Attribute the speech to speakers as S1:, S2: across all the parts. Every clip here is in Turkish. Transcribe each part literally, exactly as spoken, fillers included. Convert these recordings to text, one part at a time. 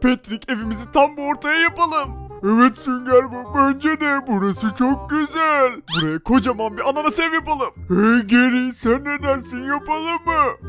S1: Patrick, evimizi tam bu ortaya yapalım. Evet Sünger Bob, bence de burası çok güzel. Buraya kocaman bir ananas ev yapalım. Hey Geri, sen ne dersin, yapalım mı?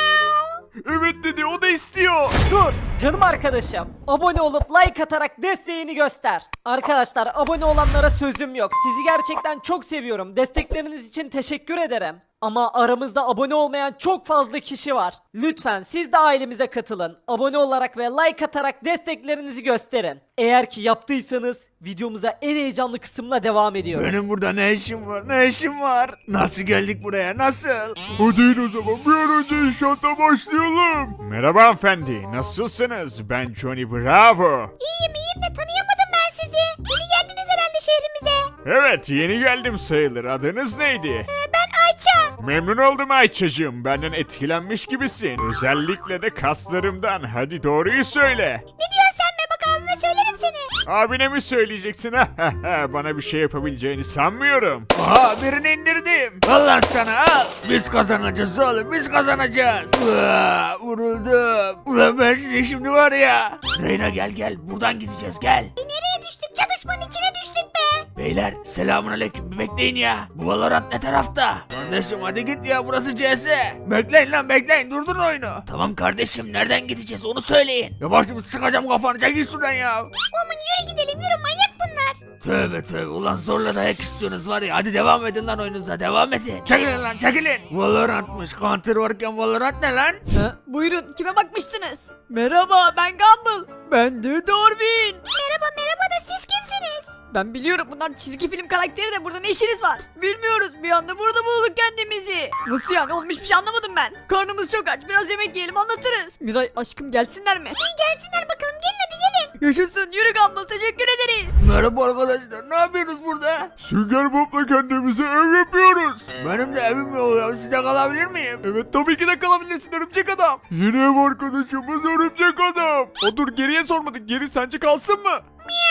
S1: Evet dedi, o da istiyor.
S2: Dur canım arkadaşım. Abone olup like atarak desteğini göster. Arkadaşlar abone olanlara sözüm yok. Sizi gerçekten çok seviyorum. Destekleriniz için teşekkür ederim. Ama aramızda abone olmayan çok fazla kişi var. Lütfen siz de ailemize katılın. Abone olarak ve like atarak desteklerinizi gösterin. Eğer ki yaptıysanız videomuza en heyecanlı kısımla devam ediyoruz.
S3: Benim burada ne işim var? Ne işim var? Nasıl geldik buraya? Nasıl?
S1: Hadi in o zaman, bir an önce inşaata başlayalım. Merhaba hanımefendi, nasılsınız? Ben Johnny Bravo.
S4: İyiyim iyiyim de tanıyamadım ben sizi. Yeni geldiniz herhalde şehrimize.
S1: Evet, yeni geldim sayılır. Adınız neydi?
S4: Ee, ben Ayça.
S1: Memnun oldum Ayça'cığım. Benden etkilenmiş gibisin. Özellikle de kaslarımdan. Hadi doğruyu söyle.
S4: Ne diyorsun sen be, bak abime söylerim seni.
S1: Abine mi söyleyeceksin? Bana bir şey yapabileceğini sanmıyorum.
S3: Aha, birini indirdim. Al lan sana, al. Biz kazanacağız oğlum, biz kazanacağız. Uaa, vuruldum. Ulan ben size şimdi var ya. Reyna gel gel, buradan gideceğiz, gel.
S4: E, nereye düştük? Çatışmanın içine düştük be.
S3: Beyler selamun aleyküm, bir bekleyin ya. Bu Valorant ne tarafta? Kardeşim hadi git ya, burası C S. Bekleyin lan bekleyin, durdurun oyunu. Tamam kardeşim, nereden gideceğiz onu söyleyin. Ya başımı sıkacağım kafanı, çekil şuradan ya.
S4: Oğlum yürü gidelim, yürü, manyak bunlar.
S3: Tövbe tövbe, ulan zorla dayak istiyorsunuz var ya, hadi devam edin lan oyununuza, devam edin. Çekilin lan çekilin. Valorant'mış, Counter varken Valorant ne lan?
S2: Ha, buyurun kime bakmıştınız? Merhaba ben Gumball. Ben de Darwin.
S4: Merhaba merhaba da siz kimsiniz?
S2: Ben biliyorum bunlar çizgi film karakteri de burada ne işiniz var? Bilmiyoruz bir anda burada bulduk kendimizi. Nasıl yani oğlum hiçbir şey anlamadım ben. Karnımız çok aç biraz yemek yiyelim anlatırız. Miray aşkım gelsinler mi?
S4: İyi gelsinler bakalım, gelin hadi gelin.
S2: Yaşasın yürü Gumball teşekkür ederiz.
S3: Merhaba arkadaşlar, ne yapıyorsunuz burada?
S1: Sünger Bob'la kendimize ev yapıyoruz.
S3: Benim de evim yok ya, sizde kalabilir miyim?
S1: Evet tabii ki de kalabilirsin örümcek adam. Yeni ev arkadaşımız örümcek adam. O dur, geriye sormadık. Geri sence kalsın mı?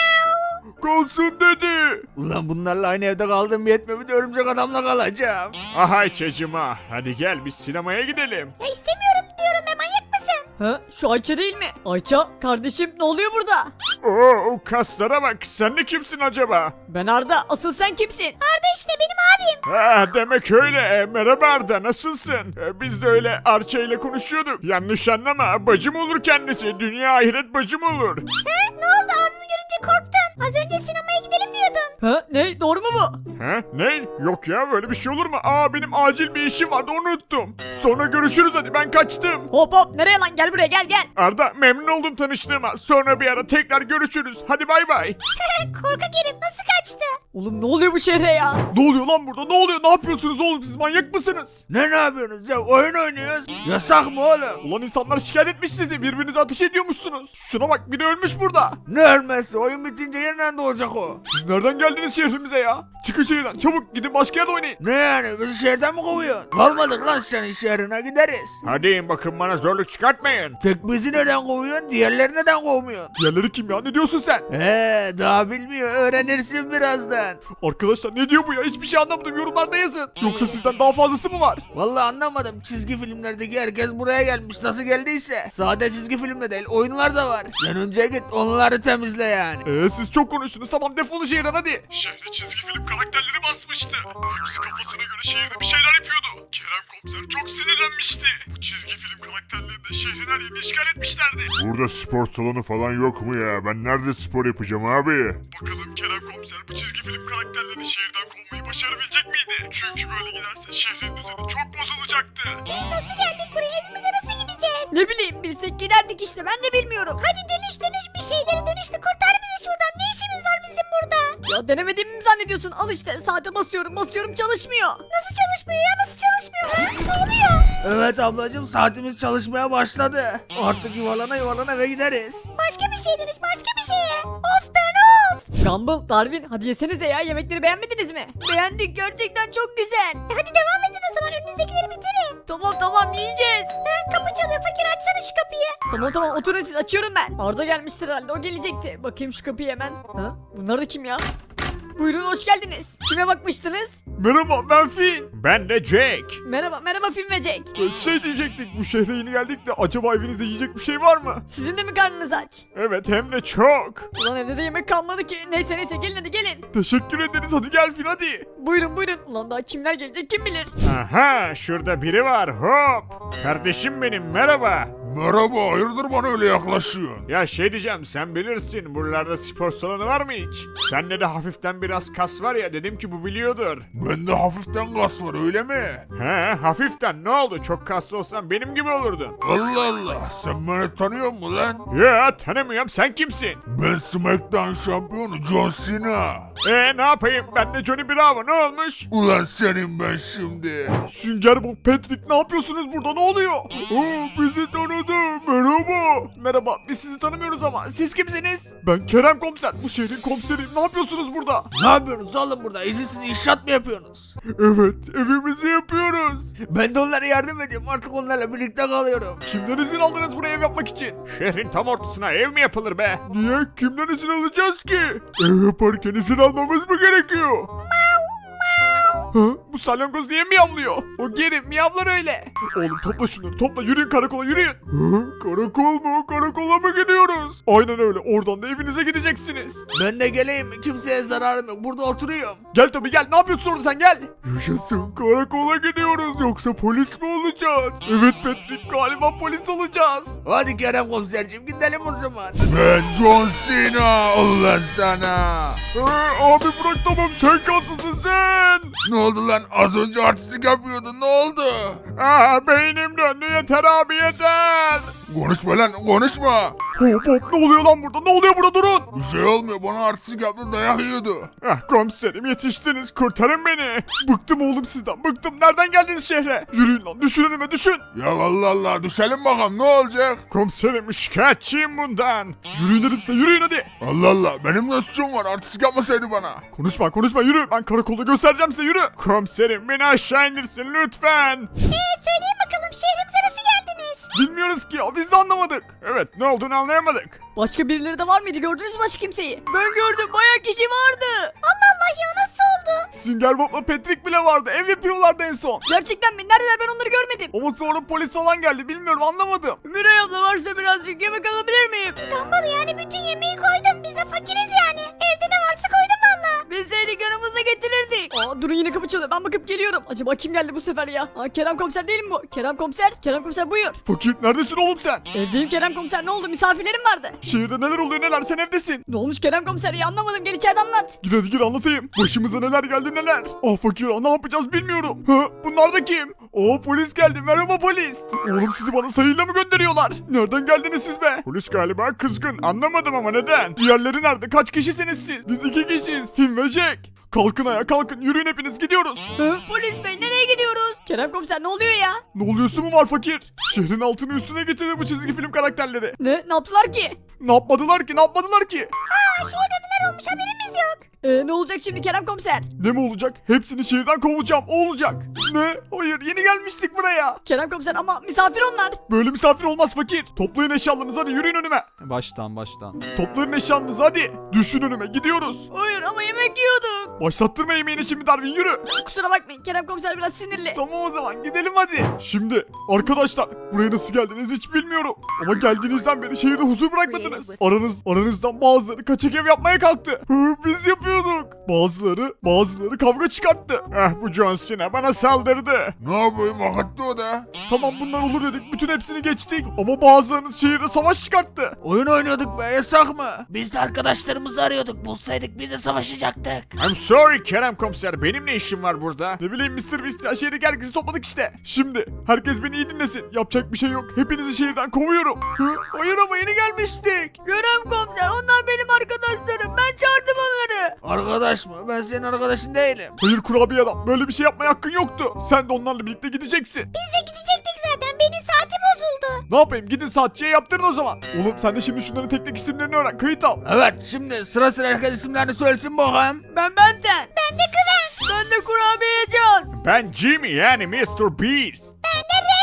S1: Kalsın dedi.
S3: Ulan bunlarla aynı evde kaldım yetmiyor, bir de örümcek adamla kalacağım.
S1: Aha Ayça'cığıma, hadi gel biz sinemaya gidelim.
S4: Ya istemiyorum diyorum be, manyak mısın?
S2: Ha şu Ayça değil mi? Ayça kardeşim ne oluyor burada?
S1: Oo, o kaslara bak, sen de kimsin acaba?
S2: Ben Arda asıl sen kimsin?
S4: Arda işte benim abim.
S1: Ha, demek öyle. E, merhaba Arda, nasılsın? E, biz de öyle Arça ile konuşuyorduk. Yanlış anlama, bacım olur kendisi. Dünya ahiret bacım olur.
S4: He, ne oldu, abimi görünce korktun? Az önce sinemaya gidelim diyordun.
S2: Ha ne doğru mu bu?
S1: Ha, ne? Yok ya, böyle bir şey olur mu? Aa, benim acil bir işim vardı, onu unuttum. Sonra görüşürüz, hadi ben kaçtım.
S2: Hop hop nereye lan gel buraya gel gel.
S1: Arda, memnun oldum tanıştığıma. Sonra bir ara tekrar görüşürüz. Hadi bay bay.
S4: Korkak herif nasıl kaçtı?
S2: Oğlum ne oluyor bu şehre ya?
S1: Ne oluyor lan burada? Ne oluyor? Ne yapıyorsunuz oğlum? Siz manyak mısınız?
S3: Ne ne yapıyorsunuz ya, oyun oynuyoruz. Yasak mı oğlum?
S1: Ulan insanlar şikayet etmiş sizi. Birbirinize ateş ediyormuşsunuz. Şuna bak, biri ölmüş burada.
S3: Ne ölmesi, oyun bitince yeniden doğacak o.
S1: Siz nereden geldiniz şehrimize ya? Çıkın şehirden çabuk, gidin başka yerde oynayın.
S3: Ne yani, bizi şehirden mi kovuyorsun? Kalmadık lan senin şehrine, gideriz.
S1: Hadi in bakın, bana zorluk çıkartmayın.
S3: Tek bizi neden kovuyorsun, diğerleri neden kovmuyorsun?
S1: Diğerleri kim ya? Ne diyorsun sen?
S3: He, daha bilmiyor, öğrenirsin birazdan.
S1: Arkadaşlar ne diyor bu ya? Hiçbir şey anlamadım. Yorumlarda yazın. Yoksa sizden daha fazlası mı var?
S3: Vallahi anlamadım, çizgi filmlerdeki herkes buraya gelmiş, nasıl geldiyse. Sade çizgi filmde değil, oyunlar da var. Sen önce git onları temizle yani.
S1: Eee siz çok konuştunuz. Tamam, defolun şehirden hadi. Şehre çizgi film karakterleri basmıştı. Hepsi kafasına göre şehirde bir şeyler yapıyordu. Kerem komiser çok sinirlenmişti. Bu çizgi film karakterleri de şehrin her yerini işgal etmişlerdi.
S5: Burada spor salonu falan yok mu ya? Ben nerede spor yapacağım abi?
S1: Bakalım Kerem komiser bu çizgi film karakterlerini şehirden kovmayı başarabilecek miydi? Çünkü böyle giderse şehrin düzeni çok bozulacaktı.
S4: Biz nasıl geldik buraya, evimize nasıl gideceğiz?
S2: Ne bileyim bilsek giderdik işte ben de bilmiyorum.
S4: Hadi dönüş dönüş bir şeyleri dönüştü, kurtar bizi şuradan, ne işimiz var bizim burada?
S2: Ya denemediğimi mi zannediyorsun? Al işte saate basıyorum basıyorum çalışmıyor.
S4: Nasıl çalışmıyor ya, nasıl çalışmıyor? Ha? Ne oluyor?
S3: Evet ablacığım, saatimiz çalışmaya başladı. Artık yuvarlana yuvarlana eve gideriz.
S4: Başka bir şey dönüş, başka bir şeye. Of ben of.
S2: Gumball, Darwin hadi yesenize ya yemekleri beğenmediniz mi? Beğendik gerçekten çok güzel.
S4: E hadi devam edin o zaman, önünüzdekileri bitirin.
S2: Tamam tamam yiyeceğiz.
S4: Ha, kapı çalıyor, fakir açsana şu kapıyı.
S2: Tamam tamam oturun siz açıyorum ben. Arda gelmiştir herhalde o gelecekti. Bakayım şu kapıyı hemen. Ha? Bunlar da kim ya?
S6: Buyurun hoş geldiniz. Kime bakmıştınız?
S1: Merhaba ben Finn.
S3: Ben de Jack.
S6: Merhaba merhaba Film ve Jack.
S1: Ee, Şey diyecektik, bu şehre yeni geldik de acaba evinizde yiyecek bir şey var mı?
S6: Sizin de mi karnınız aç?
S1: Evet, hem de çok.
S6: Ulan evde de yemek kalmadı ki. Neyse neyse gelin hadi gelin.
S1: Teşekkür ederiz, hadi gel Finn hadi.
S6: Buyurun buyurun. Ulan daha kimler gelecek kim bilir.
S3: Aha, şurada biri var. Hop. Kardeşim benim, merhaba.
S5: Merhaba, hayırdır bana öyle yaklaşıyorsun?
S3: Ya şey diyeceğim, sen bilirsin buralarda spor salonu var mı hiç? Sende de hafiften biraz kas var ya, dedim ki bu biliyordur.
S5: Bende hafiften gaz var öyle mi?
S3: He, hafiften ne oldu? Çok kaslı olsan benim gibi olurdun.
S5: Allah Allah, sen beni tanıyor musun lan?
S3: Ya tanımıyorum, sen kimsin?
S5: Ben SmackDown şampiyonu John Cena.
S3: E ne yapayım, ben de Johnny Bravo, ne olmuş?
S5: Ulan senin ben şimdi.
S1: Sünger Bob, Patrick, ne yapıyorsunuz burada, ne oluyor? Oo, bizi tanıdı, merhaba. Merhaba, biz sizi tanımıyoruz ama siz kimsiniz? Ben Kerem Komiser, bu şehrin komiseri. Ne yapıyorsunuz burada?
S3: Ne yapıyorsunuz oğlum burada? İzinsiz inşaat mı yapıyorsunuz?
S1: Evet, evimizi yapıyoruz.
S3: Ben de onlara yardım ediyorum, artık onlarla birlikte kalıyorum.
S1: Kimden izin aldınız buraya ev yapmak için?
S3: Şehrin tam ortasına ev mi yapılır be?
S1: Niye? Kimden izin alacağız ki? Ev yaparken izin almamız mı gerekiyor? Ha? Bu salyangoz niye miyavlıyor? O geri miyavlar öyle. Oğlum topla şunları, topla, yürüyün karakola, yürüyün. Ha? Karakol mu? Karakola mı gidiyoruz? Aynen öyle, oradan da evinize gideceksiniz.
S3: Ben de geleyim, kimseye zararım yok, burada oturuyorum.
S1: Gel tabii gel, ne yapıyorsun orada sen, gel. Yaşasın, karakola gidiyoruz, yoksa polis mi olacağız? Evet Patrick, galiba polis olacağız.
S3: Hadi Kerem komiserciğim, gidelim o zaman.
S5: Ben John Cena, ulan sana.
S1: Ee, abi bırak, tamam, sen kaslısın sen.
S5: Ne oldu lan, az önce artistik yapıyordun, ne oldu?
S1: Aa, beynim döndü, yeter abi yeter.
S5: Konuşma lan, konuşma.
S1: Hop hop, ne oluyor lan burada, ne oluyor burada, durun.
S5: Bir şey olmuyor, bana artistik yaptı, dayak yiyordu.
S1: Ah komiserim, yetiştiniz, kurtarın beni. Bıktım oğlum sizden, bıktım. Nereden geldiniz şehre? Yürüyün lan, düşün önüme, düşün.
S5: Ya Allah Allah, düşelim bakalım, ne olacak?
S1: Komiserim, şikayetçiyim bundan. Yürüyün dedim size, yürüyün hadi.
S5: Allah Allah, benim ne suçum var, artistik yapmasaydı bana.
S1: Konuşma konuşma, yürü, ben karakolda göstereceğim size, yürü. Komiserim, beni aşağı indirsin lütfen.
S4: Ee söyleyin bakalım şehrimize nasıl geldiniz?
S1: Bilmiyoruz ki ya, biz de anlamadık. Evet, ne olduğunu anlayamadık.
S6: Başka birileri de var mıydı gördünüz mü başka kimseyi? Ben gördüm bayağı kişi vardı.
S4: Allah Allah ya nasıl oldu?
S1: Sünger Bob'la Patrick bile vardı, ev yapıyorlardı en son.
S6: Gerçekten mi? Neredeler ben onları görmedim.
S1: Ama sonra polis falan geldi, bilmiyorum, anlamadım.
S6: Miray abla varsa birazcık yemek alabilir miyim?
S4: Tombala yani bütün yemeği koydum. Biz de fakiriz yani. Evde ne varsa koydum valla.
S6: Bilseydik yanımızda getirirdik. Aa durun yine kapı çalıyor ben bakıp geliyorum. Acaba kim geldi bu sefer ya? Aa Kerem komiser değil mi bu? Kerem komiser. Kerem komiser buyur.
S1: Fakir, neredesin oğlum sen?
S6: Evdeyim Kerem komiser ne oldu misafirlerim vardı.
S1: Şehirde neler oluyor neler, sen evdesin.
S6: Ne olmuş Kerem komiser ya anlamadım gel içeride anlat.
S1: Gir hadi gir, anlatayım. Başımıza neler geldi neler. Ah fakir, ah, ne yapacağız bilmiyorum. Ha, bunlar da kim? Oo, polis geldi, merhaba polis. Oğlum sizi bana sayıyla mı gönderiyorlar? Nereden geldiniz siz be? Polis galiba kızgın, anlamadım ama neden? Diğerleri nerede, kaç kişisiniz siz? Biz iki kişiyiz, Finn ve Jack. Kalkın ayağa, kalkın, yürüyün hepiniz, gidiyoruz.
S6: Hı, polis bey nereye gidiyoruz? Kerem komiser ne oluyor ya?
S1: Ne oluyorsun mu var fakir? Şehrin altını üstüne getirdi bu çizgi film karakterleri.
S6: Ne? Ne yaptılar ki?
S1: Ne yapmadılar ki, ne yapmadılar ki?
S4: Aa şehirde neler olmuş haberimiz yok.
S6: Ee, ne olacak şimdi Kerem komiser?
S1: Ne mi olacak? Hepsini şehirden kovacağım, o olacak. Ne? Hayır, yeni gelmiştik buraya.
S6: Kerem komiser ama misafir onlar.
S1: Böyle misafir olmaz fakir. Toplayın eşyalarınızı, hadi yürüyün önüme.
S7: Baştan baştan.
S1: Toplayın eşyalarınızı hadi. Düşün önüme, gidiyoruz.
S6: Hayır ama yemek yiyorduk.
S1: Başlattırma yemeğini şimdi Darwin, yürü.
S6: Kusura bakmayın Kerem komiser biraz sinirli.
S1: Tamam o zaman gidelim hadi. Şimdi arkadaşlar, buraya nasıl geldiniz hiç bilmiyorum. Ama geldiğinizden beri şehirde huzur bırakmadınız. Aranız, aranızdan bazıları kaçak ev yapmaya kalktı. Hı, biz yapıyorduk. Bazıları, bazıları kavga çıkarttı. Eh, bu John Cena bana saldırdı.
S5: Ne yapayım, hak etti o da.
S1: Tamam bunlar olur dedik, bütün hepsini geçtik. Ama bazılarınız şehirde savaş çıkarttı.
S3: Oyun oynuyorduk be, yasak mı? Biz de arkadaşlarımızı arıyorduk, bulsaydık biz de savaşacaktık. I'm sorry Kerem komiser, benim ne işim var burada?
S1: Ne bileyim mister Beast ya, şehirdeki herkesi topladık işte. Şimdi herkes beni iyi dinlesin. Yapacak bir şey yok. Hepinizi şehirden kovuyorum. Hı? Hayır ama yeni gelmiştik.
S6: Kerem komiser onlar benim arkadaşlarım. Ben çağırdım onları.
S3: Arkadaş mı? Ben senin arkadaşın değilim.
S1: Hayır kurabiye adam, böyle bir şey yapmaya hakkın yoktu. Sen de onlarla birlikte gideceksin.
S4: Biz de gidecektik zaten. Benim saati bozuldu.
S1: Ne yapayım, gidin saatçiye yaptırın o zaman. Oğlum sen de şimdi şunların tek tek isimlerini öğren, kayıt al.
S3: Evet, şimdi sıra sıra herkes isimlerini söylesin bakalım.
S6: Ben Benten. Ben de Güven. Ben de kurabiye Can.
S3: Ben Jimmy yani mister Beast.
S4: Ben de Reyna.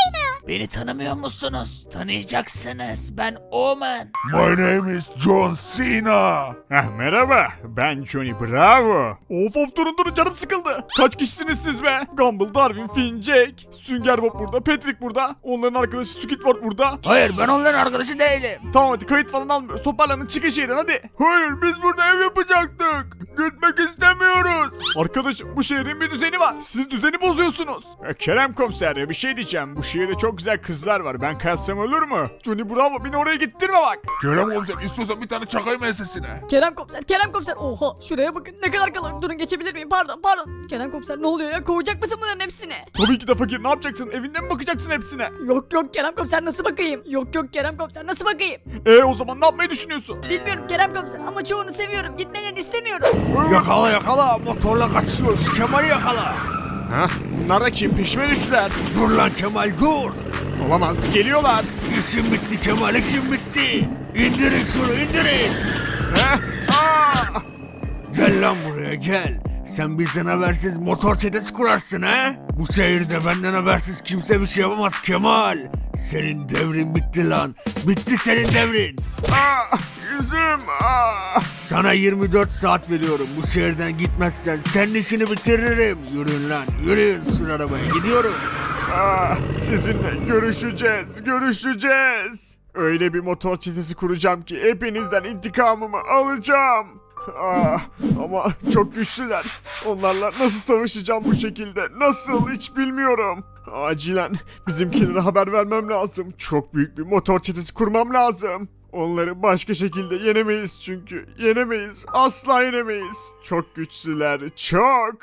S3: Beni tanımıyor musunuz? Tanıyacaksınız. Ben Omen.
S5: My name is John Cena.
S1: Heh, merhaba, ben Johnny Bravo. Of of durun durun canım sıkıldı. Kaç kişisiniz siz be? Gumball, Darwin, Finn, Jake, Sünger Bob burada, Patrick burada. Onların arkadaşı Squidward burada.
S3: Hayır, ben onların arkadaşı değilim.
S1: Tamam hadi kayıt falan almıyoruz. Toparlanın çıkın şehirden hadi. Hayır biz burada ev yapacaktık. Gitmek istemiyoruz. Arkadaşım bu şehrin bir düzeni var. Siz düzeni bozuyorsunuz. E, Kerem komiser ya bir şey diyeceğim. Bu şehirde çok güzel kızlar var. Ben kalsam olur mu? Johnny Bravo beni oraya gittirme bak.
S5: Kerem komiser istiyorsan bir tane çakayım ensesine.
S6: Kerem komiser, Kerem komiser. Oha şuraya bakın ne kadar kalabalık. Durun geçebilir miyim? Pardon pardon. Kerem komiser ne oluyor ya? Kovacak mısın bunların hepsini?
S1: Tabii ki de fakir ne yapacaksın? Evinde mi bakacaksın hepsine?
S6: Yok yok Kerem komiser nasıl bakayım? Yok yok Kerem komiser nasıl bakayım?
S1: E o zaman ne yapmayı düşünüyorsun?
S6: Bilmiyorum Kerem komiser ama çoğunu seviyorum. Gitmeden istemiyorum.
S3: Yakala yakala. Motorla kaçıyoruz. Kemal'i yakala.
S1: Heh, bunlar da kim? Peşime düştüler.
S3: Dur lan Kemal dur.
S1: Olamaz geliyorlar.
S3: İşim bitti Kemal, işim bitti. İndirin şunu indirin.
S1: Heh, aa!
S3: Gel lan buraya gel. Sen bizden habersiz motor çetesi kurarsın ha? Bu şehirde benden habersiz kimse bir şey yapamaz Kemal. Senin devrin bitti lan. Bitti senin devrin.
S1: Aa, yüzüm. Aa.
S3: Sana yirmi dört saat veriyorum. Bu şehirden gitmezsen senin işini bitiririm. Yürüyün lan yürüyün sür arabaya gidiyoruz.
S1: Aa, sizinle görüşeceğiz, görüşeceğiz. Öyle bir motor çetesi kuracağım ki hepinizden intikamımı alacağım. Aa, ama çok güçlüler. Onlarla nasıl savaşacağım bu şekilde? Nasıl hiç bilmiyorum. Acilen bizimkilere haber vermem lazım. Çok büyük bir motor çetesi kurmam lazım. Onları başka şekilde yenemeyiz çünkü. Yenemeyiz. Asla yenemeyiz. Çok güçlüler. Çok.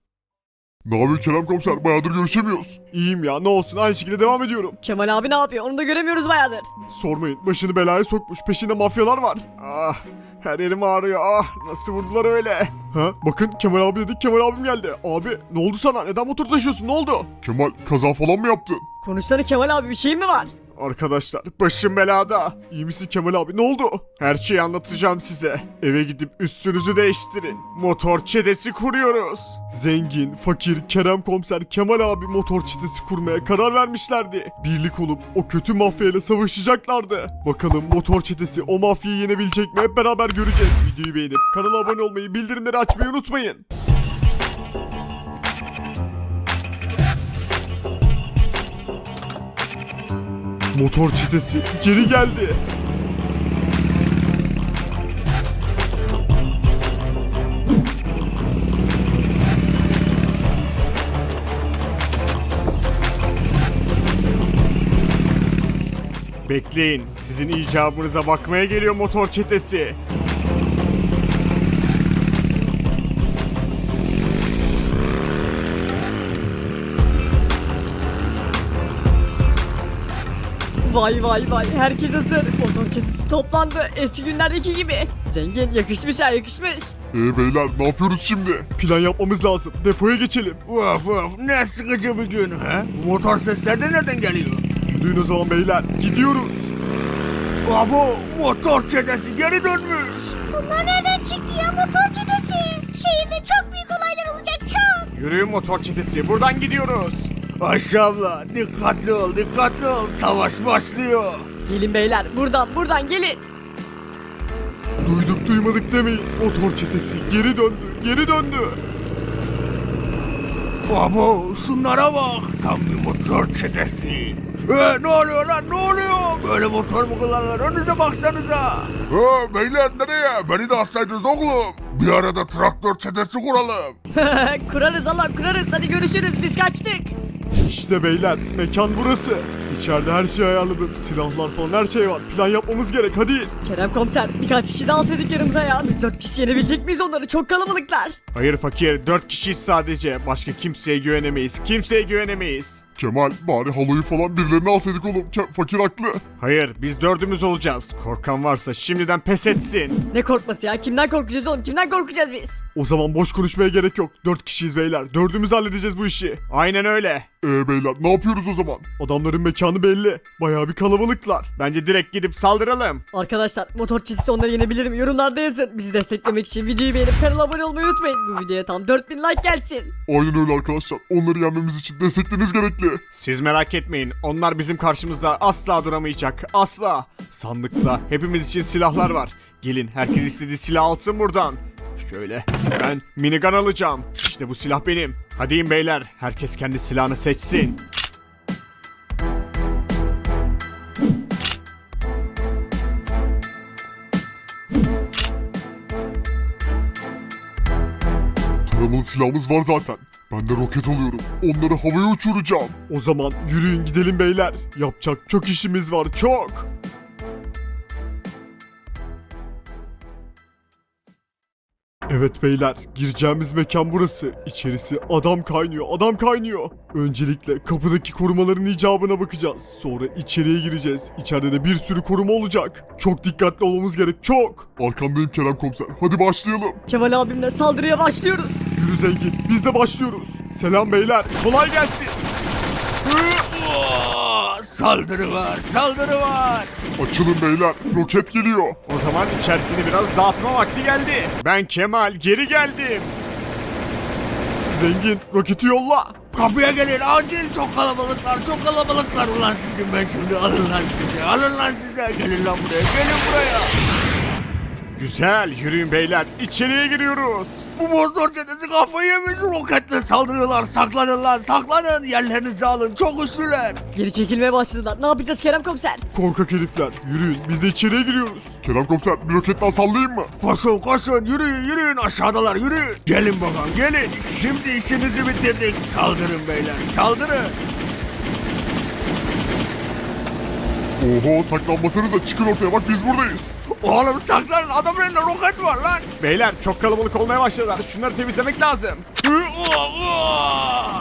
S5: Ne yapıyor Kerem komiser? Bayağıdır görüşemiyoruz.
S1: İyiyim ya ne olsun aynı şekilde devam ediyorum.
S6: Kemal abi ne yapıyor? Onu da göremiyoruz bayağıdır.
S1: Sormayın başını belaya sokmuş peşinde mafyalar var. Ah her yerim ağrıyor ah nasıl vurdular öyle. Ha bakın Kemal abi dedik Kemal abim geldi. Abi ne oldu sana neden motor taşıyorsun ne oldu?
S5: Kemal kaza falan mı yaptın?
S6: Konuşsana Kemal abi bir şey mi var?
S1: Arkadaşlar başım belada. İyi misin Kemal abi ne oldu? Her şeyi anlatacağım size. Eve gidip üstünüzü değiştirin. Motor çetesi kuruyoruz. Zengin, fakir, Kerem komiser, Kemal abi motor çetesi kurmaya karar vermişlerdi. Birlik olup o kötü mafyayla savaşacaklardı. Bakalım motor çetesi o mafyayı yenebilecek mi hep beraber göreceğiz. Videoyu beğenip kanala abone olmayı, bildirimleri açmayı unutmayın. Motor çetesi geri geldi. Bekleyin, sizin icabınıza bakmaya geliyor motor çetesi.
S6: Vay vay vay herkes hazır. Motor çetesi toplandı eski günlerdeki gibi. Zengin yakışmış ha yakışmış.
S5: Ee beyler ne yapıyoruz şimdi?
S1: Plan yapmamız lazım. Depoya geçelim.
S3: Vaf vaf ne sıkıcı bir gün ha? Bu motor sesleri de nereden geliyor?
S1: Duyun o zaman beyler. Gidiyoruz.
S3: Abo motor çetesi geri dönmüş.
S4: Bunlar nereden çıktı ya motor çetesi? Şehirde çok büyük olaylar olacak çok.
S1: Yürüyün motor çetesi. Buradan gidiyoruz.
S3: Ayşe abla dikkatli ol dikkatli ol savaş başlıyor.
S6: Gelin beyler buradan buradan gelin.
S1: Duyduk duymadık demeyin. Motor çetesi geri döndü. Geri döndü.
S3: Abo şunlara bak tam bir motor çetesi. Ee, ne oluyor lan ne oluyor? Böyle motor mu kullanılır önünüze baksanıza.
S5: Ha beyler nereye? Beni de atsaydınız oğlum. Bir arada traktör çetesi kuralım.
S6: Kurarız Allah kurarız hadi görüşürüz biz kaçtık.
S1: İşte beyler mekan burası. İçeride her şeyi ayarladım. Silahlar falan her şey var. Plan yapmamız gerek hadi.
S6: Kerem komiser birkaç kişi daha alsaydık yanımıza ya. Biz dört kişi yenebilecek miyiz onları çok kalabalıklar.
S1: Hayır fakir. Dört kişiyiz sadece. Başka kimseye güvenemeyiz. Kimseye güvenemeyiz.
S5: Kemal bari halıyı falan birilerine alsaydık oğlum. Ke- fakir haklı.
S1: Hayır biz dördümüz olacağız. Korkan varsa şimdiden pes etsin.
S6: Ne korkması ya kimden korkacağız oğlum kimden korkacağız biz?
S1: O zaman boş konuşmaya gerek yok. Dört kişiyiz beyler. Dördümüz halledeceğiz bu işi. Aynen öyle.
S5: Ee beyler ne yapıyoruz o zaman?
S1: Adamların mekanı belli. Bayağı bir kalabalıklar. Bence direkt gidip saldıralım.
S6: Arkadaşlar motor çetesi onları yenebilir mi? Yorumlarda yazın. Bizi desteklemek için videoyu beğenip kanala abone olmayı unutmayın. Bu videoya tam dört bin like gelsin.
S5: Aynen öyle arkadaşlar. Onları yenmemiz için destekleriniz gerekli. geldi.
S1: Siz merak etmeyin. Onlar bizim karşımızda asla duramayacak. Asla. Sandıkta hepimiz için silahlar var. Gelin herkes istediği silah alsın buradan. Şöyle ben minigun alacağım. İşte bu silah benim. Hadi in beyler. Herkes kendi silahını seçsin.
S5: Taramalı silahımız var zaten. Ben de roket alıyorum. Onları havaya uçuracağım.
S1: O zaman yürüyün gidelim beyler. Yapacak çok işimiz var, çok. Evet beyler, gireceğimiz mekan burası. İçerisi adam kaynıyor, adam kaynıyor. Öncelikle kapıdaki korumaların icabına bakacağız. Sonra içeriye gireceğiz. İçeride de bir sürü koruma olacak. Çok dikkatli olmamız gerek, çok.
S5: Arkandayım Kerem komiser. Hadi başlayalım.
S6: Kemal abimle saldırıya başlıyoruz.
S1: Yürü zengin, biz de başlıyoruz. Selam beyler, kolay gelsin.
S3: Aa, Saldırı var, saldırı var.
S5: Açılın beyler. Roket geliyor.
S1: O zaman içerisini biraz dağıtma vakti geldi. Ben Kemal, geri geldim. Zengin, roketi yolla.
S3: Kapıya gelin acil, çok kalabalıklar, çok kalabalıklar. Ulan sizin ben şimdi, alın lan size, alın lan size. Gelin lan buraya, gelin buraya.
S1: Güzel, yürüyün beyler, içeriye giriyoruz.
S3: Bu motor çetesi kafayı yemiş, roketle saldırıyorlar. Saklanın lan, saklanın. Yerlerinizi alın, çok güçlüler.
S6: Geri çekilmeye başladılar. Ne yapacağız Kerem komiser?
S1: Korkak herifler, yürüyün, biz de içeriye giriyoruz.
S5: Kerem komiser bir roket daha sallayayım mı?
S3: Koşun koşun, yürüyün yürüyün, aşağıdalar yürüyün. Gelin bakalım gelin. Şimdi işinizi bitirdik. Saldırın beyler, saldırın.
S5: Oho saklanmasanıza, çıkın ortaya, bak biz buradayız.
S3: Oğlum saklanın, adamın elinde roket var lan.
S1: Beyler, çok kalabalık olmaya başladılar, şunları temizlemek lazım.
S3: Hı, oh, oh.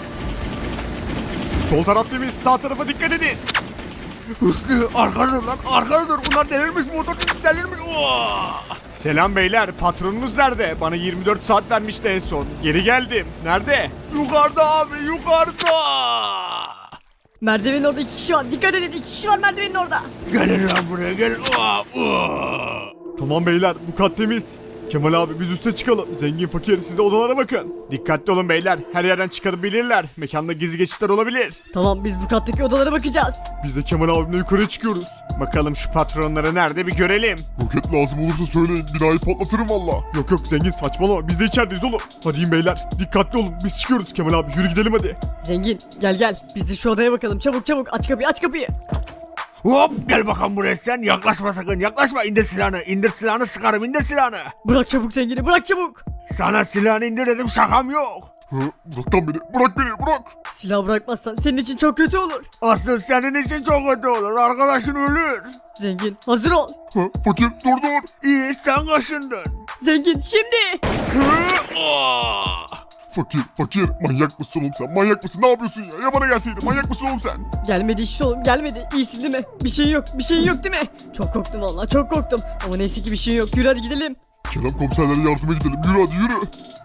S1: Sol taraf temiz, sağ tarafa dikkat edin.
S3: Hüsnü arkada dur lan, arkada dur. Bunlar delirmiş, motor çetesi delirmiş. Oh.
S1: Selam beyler, patronunuz nerede? Bana yirmi dört saat vermişti en son. Geri geldim. Nerede?
S3: Yukarıda abi, yukarıda.
S6: Merdivenin orada iki kişi var. Dikkat edin, iki kişi var merdivenin orada.
S3: Gelin lan buraya, gelin. Oh, oh.
S1: Tamam beyler, bu kat temiz. Kemal abi biz üste çıkalım. Zengin fakir siz de odalara bakın. Dikkatli olun beyler. Her yerden çıkabilirler. Mekanda gizli geçitler olabilir.
S6: Tamam, biz bu kattaki odalara bakacağız.
S1: Biz de Kemal abimle yukarı çıkıyoruz. Bakalım şu patronları nerede bir görelim.
S5: Roket lazım olursa söyleyin, binayı patlatırım valla.
S1: Yok yok zengin saçmalama. Biz de içerideyiz oğlum. Hadi in beyler. Dikkatli olun. Biz çıkıyoruz Kemal abi. Yürü gidelim hadi.
S6: Zengin, gel gel. Biz de şu odaya bakalım. Çabuk çabuk, aç kapıyı, aç kapıyı.
S3: Hop, gel bakalım buraya sen. Yaklaşma sakın, yaklaşma. İndir silahını, indir silahını, sıkarım, indir silahını.
S6: Bırak çabuk zengini, bırak çabuk.
S3: Sana silahını indir dedim, şakam yok.
S5: Hı, bırak lan beni, bırak beni, bırak.
S6: Silah bırakmazsan senin için çok kötü olur.
S3: Asıl senin için çok kötü olur. Arkadaşın ölür.
S6: Zengin, hazır ol.
S5: Hı, fakir dur dur.
S3: İyi, sen kaşındın.
S6: Zengin, şimdi.
S3: Hı, oh.
S5: Fakir, fakir, manyak mısın oğlum sen? Manyak mısın? Ne yapıyorsun ya? Ya bana gelseydin, manyak mısın oğlum sen?
S6: Gelmedi işte oğlum, gelmedi. İyisin değil mi? Bir şeyin yok, bir şeyin yok değil mi? Çok korktum vallahi, çok korktum. Ama neyse ki bir şeyin yok. Yürü hadi gidelim.
S5: Kerem komiserlere yardıma gidelim. Yürü hadi yürü.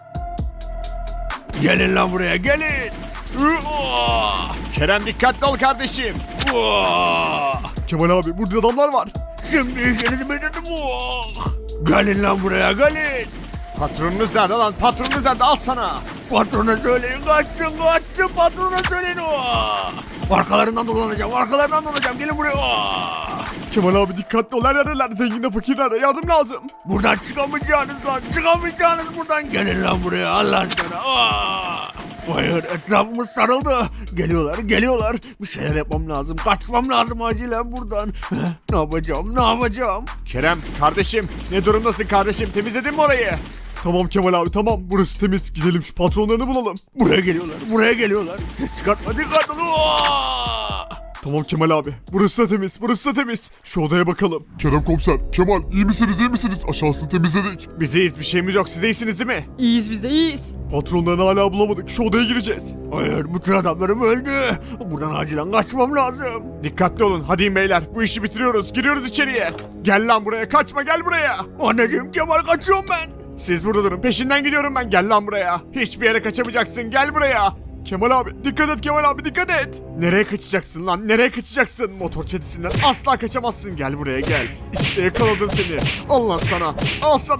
S3: Gelin lan buraya, gelin. Hı, oh.
S1: Kerem dikkatli ol kardeşim.
S3: Oh.
S1: Kemal abi burada adamlar var.
S3: Şimdi işinizi bitirdim. Oh. Gelin lan buraya, gelin.
S1: Patronunuz nerede lan? Patronunuz nerede? Al sana.
S3: Patrona söyleyin, kaçsın, kaçsın. Patrona söyleyin. Oh. Arkalarından dolanacağım, arkalarından dolanacağım. Gelin buraya. Oh.
S1: Kemal abi dikkatli ol. Her yerdeler. Zenginle fakirlere yardım lazım.
S3: Buradan çıkamayacağınız lan, çıkamayacağınız buradan. Gelin lan buraya, Allah sana. Oh. Hayır, etrafımız sarıldı. Geliyorlar, geliyorlar. Bir şeyler yapmam lazım, kaçmam lazım acilen buradan. Ne yapacağım, ne yapacağım?
S1: Kerem kardeşim ne durumdasın kardeşim? Temizledin mi orayı? Tamam Kemal abi tamam. Burası temiz. Gidelim şu patronlarını bulalım.
S3: Buraya geliyorlar, buraya geliyorlar. Ses çıkartma, dikkat olun. Oh.
S1: Tamam Kemal abi. Burası da temiz. Burası da temiz. Şu odaya bakalım.
S5: Kerem komiser, Kemal iyi misiniz iyi misiniz? Aşağısını temizledik.
S1: Biz iyiyiz. Bir şeyimiz yok. Siz de iyisiniz değil mi?
S6: İyiyiz biz de, iyiyiz.
S1: Patronlarını hala bulamadık. Şu odaya gireceğiz.
S3: Hayır, bütün adamlarım öldü. Buradan acilen kaçmam lazım.
S1: Dikkatli olun. Hadi in beyler. Bu işi bitiriyoruz. Giriyoruz içeriye. Gel lan buraya. Kaçma gel buraya.
S3: Anneciğim, Kemal, kaçıyorum ben.
S1: Siz burada durun. Peşinden gidiyorum ben. Gel lan buraya. Hiçbir yere kaçamayacaksın. Gel buraya. Kemal abi dikkat et Kemal abi dikkat et. Nereye kaçacaksın lan? Nereye kaçacaksın? Motor çetesinden asla kaçamazsın. Gel buraya gel. İşte yakaladım seni. Allah sana. Al sana.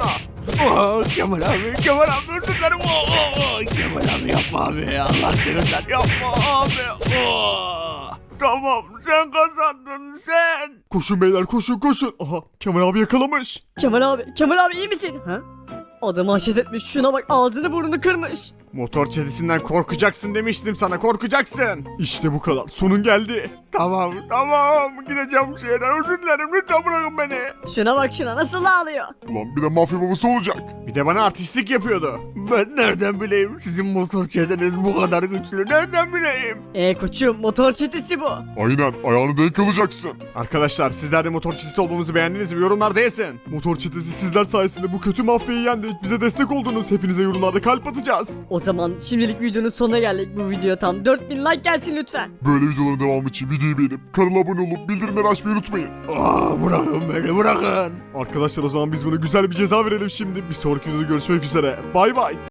S3: Oh, Kemal abi, Kemal abi özür dilerim. Oh, oh, oh. Kemal abi yapma abi. Allah seversen yapma abi. Oh. Tamam sen kazandın sen.
S1: Koşun beyler koşun koşun. Aha Kemal abi yakalamış.
S6: Kemal abi, Kemal abi iyi misin? Ha? Adamı haşet etmiş. Şuna bak ağzını burnunu kırmış.
S1: Motor çetesinden korkacaksın demiştim sana korkacaksın. İşte bu kadar sonun geldi.
S3: Tamam tamam gideceğim şehre özür dilerim lütfen bırakın beni.
S6: Şuna bak şuna nasıl ağlıyor.
S5: Ulan bir de mafya babası olacak.
S1: Bir de bana artistlik yapıyordu.
S3: Ben nereden bileyim sizin motor çeteniz bu kadar güçlü nereden bileyim?
S6: E koçum motor çetesi bu.
S5: Aynen ayağını denk alacaksın.
S1: Arkadaşlar sizler de motor çetesi olmamızı beğendiniz mi? Yorumlarda yazın. Motor çetesi sizler sayesinde bu kötü mafyayı yendik. Bize destek oldunuz. Hepinize yorumlarda kalp atacağız.
S6: O zaman şimdilik videonun sonuna geldik. Bu video tam dört bin like gelsin lütfen.
S5: Böyle videoların devamı için videoyu beğenip kanala abone olup bildirimleri açmayı unutmayın.
S3: Aa, bırakın beni bırakın.
S1: Arkadaşlar o zaman biz buna güzel bir ceza verelim şimdi. Bir sonraki videoda görüşmek üzere. Bay bay.